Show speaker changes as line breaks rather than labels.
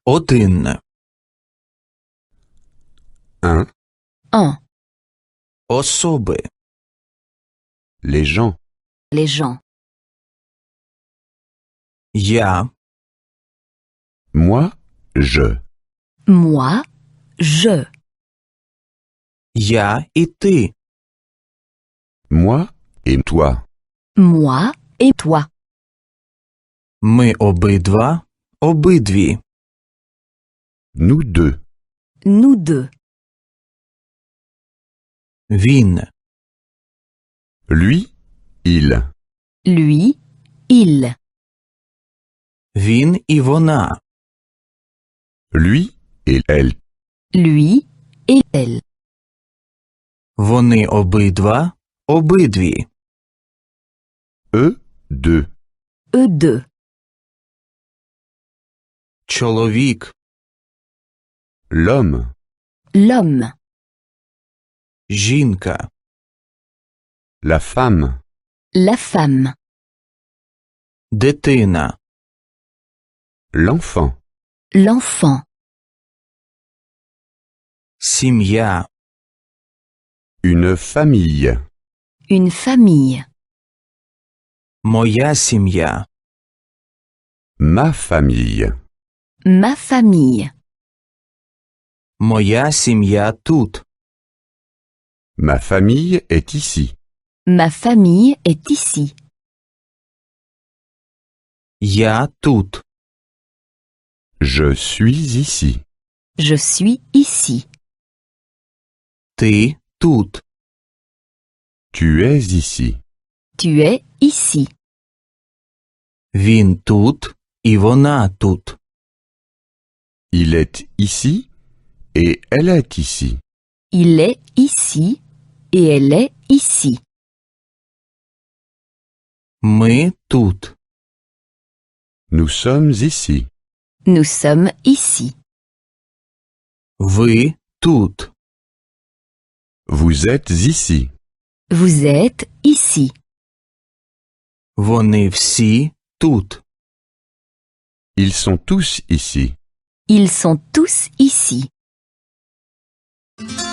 Один.
Un.
Un.
Особи.
Les gens.
Les gens.
Я.
Moi, je.
Moi, je.
Я і ти.
Moi et toi.
Moi et toi.
Ми обидва, обидві.
Nous deux.
Nous deux.
Він.
Lui, il.
Lui, il.
Він і вона.
Lui et elle.
Lui et elle.
Вони обидва, обидві.
Eux, deux.
Eux deux.
Чоловік.
L'homme.
L'homme.
Жінка.
La femme.
La femme.
Дитина.
L'enfant.
L'enfant.
Сім'я.
Une famille.
Une famille.
Моя сім'я.
Ma famille.
Ma famille.
Моя сім'я тут.
Ma famille est ici.
Ma famille est ici.
Я тут.
Je suis ici.
Je suis ici.
Ти тут.
Tu es ici.
Tu es ici.
Він тут і вона тут.
Il est ici et elle est ici.
Il est ici et elle est ici.
Ми тут.
Nous sommes ici.
Nous sommes ici.
Ви тут.
Vous êtes ici.
Vous êtes ici.
Вони всі тут.
Ils sont tous ici.
Ils sont tous ici.